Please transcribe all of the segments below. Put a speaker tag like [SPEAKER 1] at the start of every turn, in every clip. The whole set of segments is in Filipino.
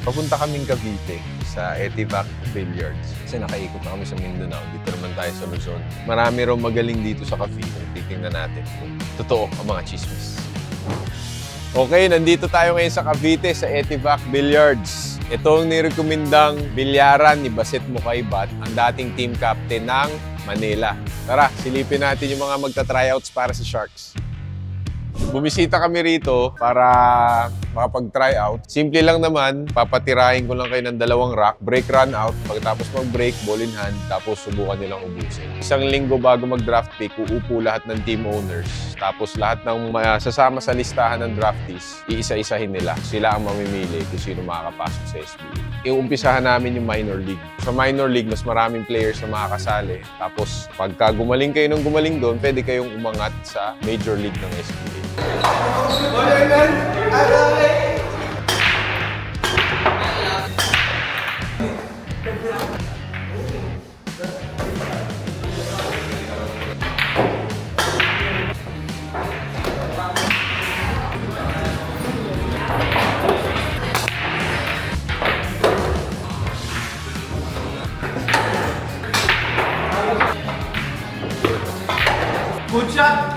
[SPEAKER 1] Papunta kaming Cavite sa Etivac Billiards. Kasi nakaikot na kami sa Mindanao. Dito naman tayo sa Luzon. Marami raw magaling dito sa Cavite. Titingnan natin kung totoo ang mga chismis. Okay, nandito tayo ngayon sa Cavite sa Etivac Billiards. Ito ang nirekomendang bilyaran ni Baset Mukaybat, ang dating team captain ng Manila. Tara, silipin natin yung mga magta-tryouts para sa Sharks. Bumisita kami rito para makapag-tryout. Simple lang naman, papatirahin ko lang kayo ng 2 rack, break run out, pagkatapos mag-break, ball in hand, tapos subukan nilang ubusin. Isang linggo bago mag-draft pick, uupo lahat ng team owners. Tapos lahat ng sasama sa listahan ng draftees, iisa-isahin nila. Sila ang mamimili kung sino makakapasok sa SBA. Iumpisahan namin yung minor league. Sa minor league, mas maraming players na makakasali. Tapos pagka gumaling kayo ng gumaling doon, pwede kayong umangat sa major league ng SBA.
[SPEAKER 2] Good shot!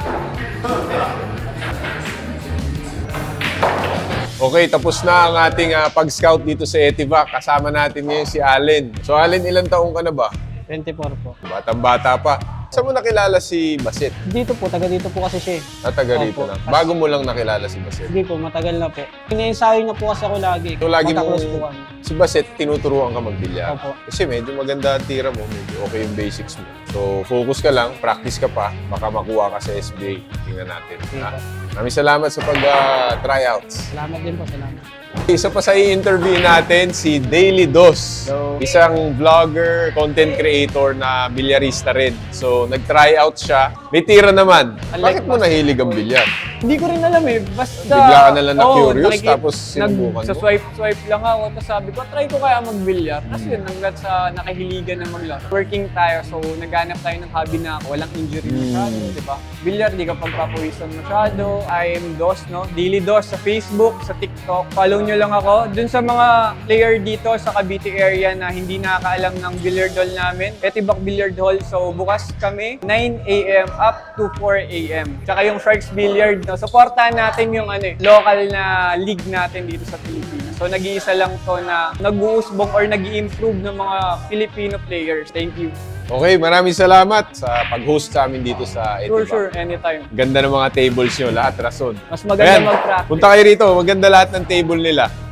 [SPEAKER 1] Okay, tapos na ang ating pag-scout dito sa Etivac. Kasama natin ngayon si Allen. So Allen, ilang taong ka na ba?
[SPEAKER 3] 24 po.
[SPEAKER 1] Batang-bata pa. Saan mo nakilala si Baset?
[SPEAKER 3] Dito po, taga dito po kasi siya eh.
[SPEAKER 1] Taga rito
[SPEAKER 3] Opo.
[SPEAKER 1] lang. Bago mo lang nakilala si Baset.
[SPEAKER 3] Sige po, matagal na po. Ina-ensayo niya po kasi ako lagi.
[SPEAKER 1] So lagi mo,
[SPEAKER 3] Magka-close po kami.
[SPEAKER 1] si Baset, tinuturuan ka magbilyar.
[SPEAKER 3] Opo.
[SPEAKER 1] Kasi medyo maganda ang tira mo, medyo okay yung basics mo. So focus ka lang, practice ka pa, baka makuha ka sa SBA. Tingnan natin.
[SPEAKER 3] Sige po.
[SPEAKER 1] Maraming salamat sa pag-tryouts.
[SPEAKER 3] Salamat din po, salamat.
[SPEAKER 1] Isa pa sa i-interview natin, si Daily Dos.
[SPEAKER 3] Hello.
[SPEAKER 1] Isang vlogger, content creator na bilyarista rin. So, nag-tryout siya. May tira naman. Bakit mo nahilig ang bilyar?
[SPEAKER 2] Hindi ko rin alam eh. Basta...
[SPEAKER 1] Bigla ka na lang na-curious, tapos sinubukan
[SPEAKER 2] Sa
[SPEAKER 1] mo?
[SPEAKER 2] swipe lang ako. Tapos sabi ko, try ko kaya mag-billiard. Tapos yun, hanggat sa nakahiligan na maglaro. Working tayo, so naghanap tayo ng hobby na walang injury masyado, di ba? Billiard, di ka pagpapawisan masyado. I am Dos, no? Daily Dos sa Facebook, sa TikTok. Follow nyo lang ako. Dun sa mga player dito sa Cavite area na hindi nakakaalam ng billiard hall namin, Etivac Billiard Hall. So bukas kami, 9 a.m. up to 4 a.m. Tsaka yung Sharks Billiard, no? Supportahan natin yung local na league natin dito sa Pilipinas. So nag-iisa lang to na nag-uusbong or nag-i-improve ng mga Filipino players. Thank you.
[SPEAKER 1] Okay, maraming salamat sa pag-host sa amin dito sa Etivac.
[SPEAKER 2] Sure, anytime.
[SPEAKER 1] Ganda ng mga tables nyo, lahat rason.
[SPEAKER 2] Mas maganda
[SPEAKER 1] Ayan,
[SPEAKER 2] mag-practice.
[SPEAKER 1] punta kayo rito, maganda lahat ng table nila.